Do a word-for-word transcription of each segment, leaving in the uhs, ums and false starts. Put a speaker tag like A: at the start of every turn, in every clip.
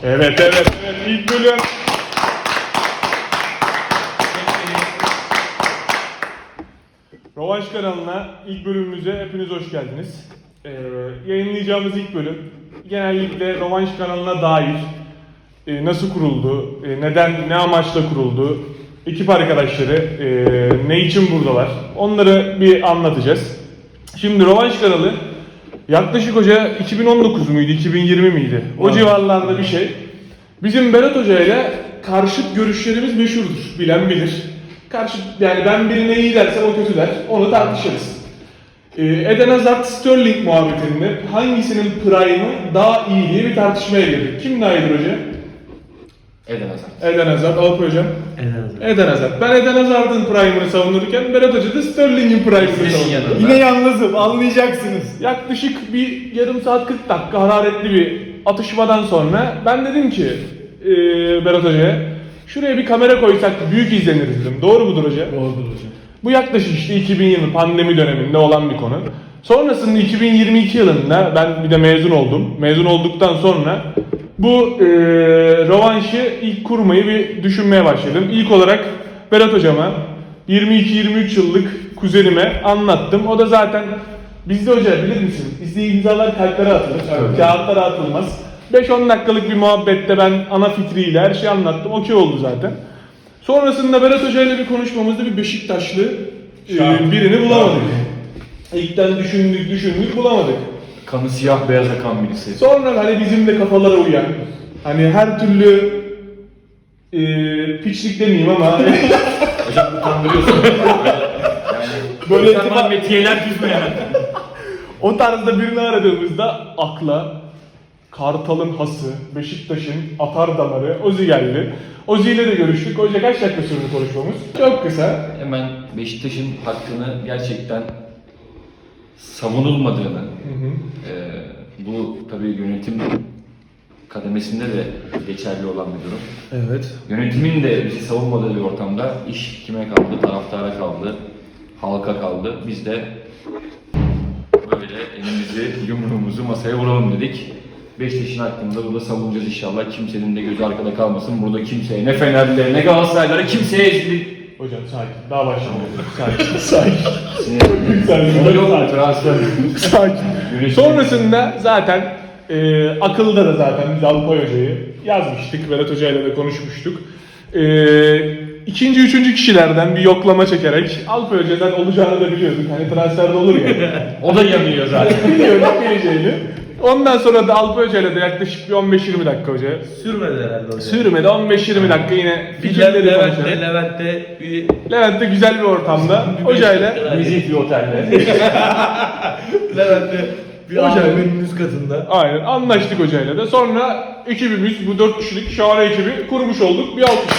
A: Evet evet evet ilk bölüm. Rövanş kanalına ilk bölümümüze hepiniz hoş geldiniz. Ee, yayınlayacağımız ilk bölüm genellikle Rövanş kanalına dair e, nasıl kuruldu, e, neden, ne amaçla kuruldu, ekip arkadaşları e, ne için buradalar onları bir anlatacağız. Şimdi Rövanş kanalı yaklaşık hoca iki bin on dokuz muydu, iki bin yirmi miydi? O evet. Civarlarda bir şey. Bizim Berat Hoca ile karşıt görüşlerimiz meşhurdur, bilen bilir. Karşı, yani ben birine iyi dersem o kötü der, onu tartışırız. Ee, Eden Hazard Sterling muhabbetinde hangisinin prime'ı daha iyi diye bir tartışmaya girdik. Kim daha iyidir hoca?
B: Eden Hazard.
A: Eden Hazard, Alp hocam.
C: Eden Hazard.
A: Eden Hazard. Ben Eden Hazard'ın prime'ını savunurken Berat Hoca da Sterling'in prime'ını savunuyor.
C: Yine yalnızım, anlayacaksınız.
A: Yaklaşık bir yarım saat kırk dakika hararetli bir atışmadan sonra ben dedim ki e, Berat Hoca'ya şuraya bir kamera koysak büyük izleniriz dedim. Doğru mudur hoca?
C: Doğrudur hocam.
A: Bu yaklaşık işte iki bin yirmi pandemi döneminde olan bir konu. Sonrasında iki bin yirmi iki yılında ben bir de mezun oldum. Mezun olduktan sonra bu e, rövanşı ilk kurmayı bir düşünmeye başladım. İlk olarak Berat hocama yirmi iki yirmi üç yıllık kuzenime anlattım. O da zaten bizde hoca bilir misin? Bizde imzalar kalplere atılır, evet. Kağıtlara atılmaz. beş on dakikalık bir muhabbette ben ana fikriyle her şeyi anlattım. Okey oldu zaten. Sonrasında Berat Hoca ile bir konuşmamızda bir Beşiktaşlı e, birini bulamadık. İlkten düşündük düşündük bulamadık.
B: Kanı siyah beyaz akan birisi.
A: Sonra hani bizim de kafalara uyan, hani her türlü e, piçlik demeyeyim ama
B: hocam utandırıyorsun. Yani böyle
A: itibar-
B: metiyeler düzmeyen.
A: o tarzda birini aradığımızda akla Kartal'ın hası, Beşiktaş'ın atar damarı Ozi geldi. Ozi ile de görüştük. Hoca kaç dakika sürdü konuşmamız? Çok kısa.
B: Hemen Beşiktaş'ın hakkını gerçekten savunulmadığını, hı hı. E, bu tabii yönetim kademesinde de geçerli olan bir durum.
A: Evet.
B: Yönetimin de bizi savunmadığı bir ortamda iş kime kaldı? Taraftara kaldı, halka kaldı. Biz de böyle elimizi, yumruğumuzu masaya vuralım dedik. Beşiktaş'ın hakkında burada savunacağız inşallah. Kimsenin de gözü arkada kalmasın. Burada kimseye, ne Fenerliler, ne Galatasaraylılara kimseye ezildik.
A: Hocam sakin. Daha başlamadık. Sakin. Sakin.
B: Sakin. Yok transfer.
A: Sakin. Sonrasında zaten e, akılda da zaten biz Alpay Hoca'yı yazmıştık. Berat Hoca'yla da konuşmuştuk. E, ikinci, üçüncü kişilerden bir yoklama çekerek Alpay Hoca'dan olacağını da biliyorduk. Hani transferde olur ya.
B: O da yanıyor zaten.
A: Biliyorduk geleceğini. Ondan sonra da Alpay Hoca'yla da yaklaşık bir on beş yirmi dakika hoca.
C: Sürmedi herhalde hocam.
A: Sürmedi on beş yirmi dakika yine
C: fikirleri konuşalım. Levent'te, Levent'te bir...
A: Levent'te güzel bir ortamda hocayla
B: Nezih bir otelde.
C: Levent'te bir
A: Hoca-
C: abimin üst katında.
A: aynen anlaştık hocayla da. Sonra ekibimiz bu dört kişilik şahane ekibi kurmuş olduk. Bir alkış.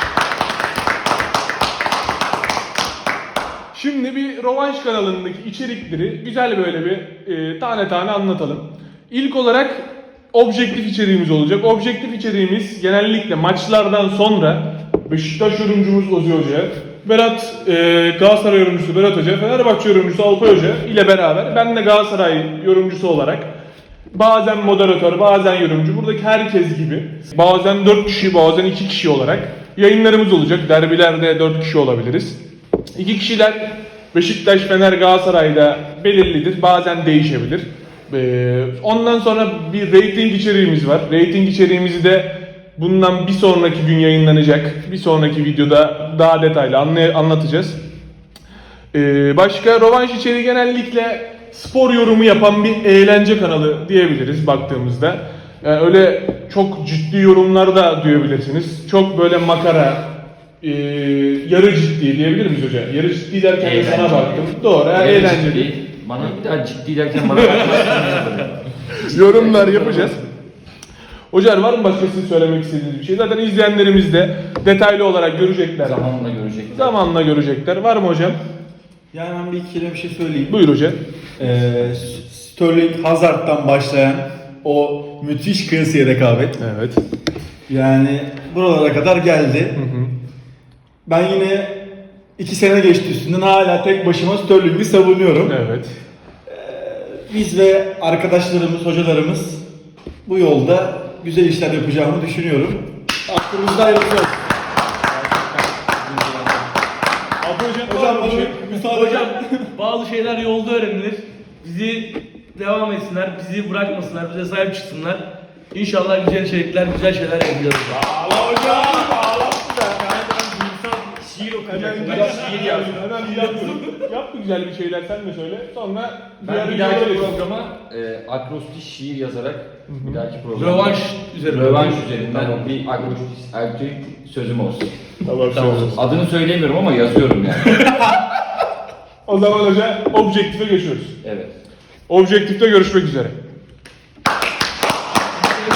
A: Şimdi bir Rövanş kanalındaki içerikleri güzel böyle bir e, tane tane anlatalım. İlk olarak objektif içeriğimiz olacak. Objektif içeriğimiz genellikle maçlardan sonra Beşiktaş yorumcumuz Ozi Hoca, Berat e, Galatasaray yorumcusu Berat Hoca, Fenerbahçe yorumcusu Alpay Hoca ile beraber ben de Galatasaray yorumcusu olarak bazen moderatör, bazen yorumcu, buradaki herkes gibi bazen dört kişi, bazen iki kişi olarak yayınlarımız olacak. Derbilerde dört kişi olabiliriz. İki kişiler Beşiktaş, Fener, Galatasaray'da belirlidir. Bazen değişebilir. Ee, ondan sonra bir rating içeriğimiz var. Rating içeriğimizi de bundan bir sonraki gün yayınlanacak. Bir sonraki videoda daha detaylı anlay- anlatacağız. Ee, başka rövanş içeriği genellikle spor yorumu yapan bir eğlence kanalı diyebiliriz baktığımızda. Yani öyle çok ciddi yorumlar da duyabilirsiniz. Çok böyle makara, Ee, yarı ciddi diyebilir miyiz hocam? Yarı ciddi derken de sana baktım. Doğru, yani eğlenceli.
B: Bana bir daha ciddi derken bana
A: yorumlar yapacağız. Hocam var mı başka sizin söylemek istediğiniz bir şey? Zaten izleyenlerimiz de detaylı olarak görecekler.
B: Zamanla görecekler.
A: Zamanla görecekler. Var mı hocam?
C: Yani ben bir iki kelime bir şey söyleyeyim.
A: Buyur hocam.
C: Ee, Sterling Hazard'dan başlayan o müthiş kıyasıya rekabet.
A: Evet.
C: Yani buralara kadar geldi.
A: Hı hı.
C: Ben yine iki sene geçti üstünden hala tek başıma Sterling'i savunuyorum.
A: Evet.
C: Biz ve arkadaşlarımız, hocalarımız bu yolda güzel işler yapacağımı düşünüyorum. Aklımızda hayırlısı olsun.
A: Abi hocam,
C: Hocam
A: var mı bir şey?
C: bana müsaade
D: Hocam bazı şeyler yolda öğrenilir. Bizi devam etsinler, bizi bırakmasınlar, bize sahip çıksınlar. İnşallah güzel içerikler, güzel şeyler yapacağız.
A: Allah hocam, ağlattı da.
D: Şiir
A: Hemen
D: okuyacak.
A: şiir yazdım. Hemen yaptım. Yap bir güzel bir şeyler sen de söyle. Sonra
B: Ben
A: diğer
B: bir
A: videolara
B: dahaki
A: geçelim.
B: programa e, akrostiş şiir yazarak bir dahaki programa
D: Rövanş üzerine.
B: rövanş üzerinden bir akrostiş erkek sözüm olsun.
A: Tamam,
D: Tamam.
A: tamam.
B: Adını söyleyemiyorum ama yazıyorum yani.
A: O zaman hoca objektife geçiyoruz.
B: Evet.
A: Objektifte görüşmek üzere.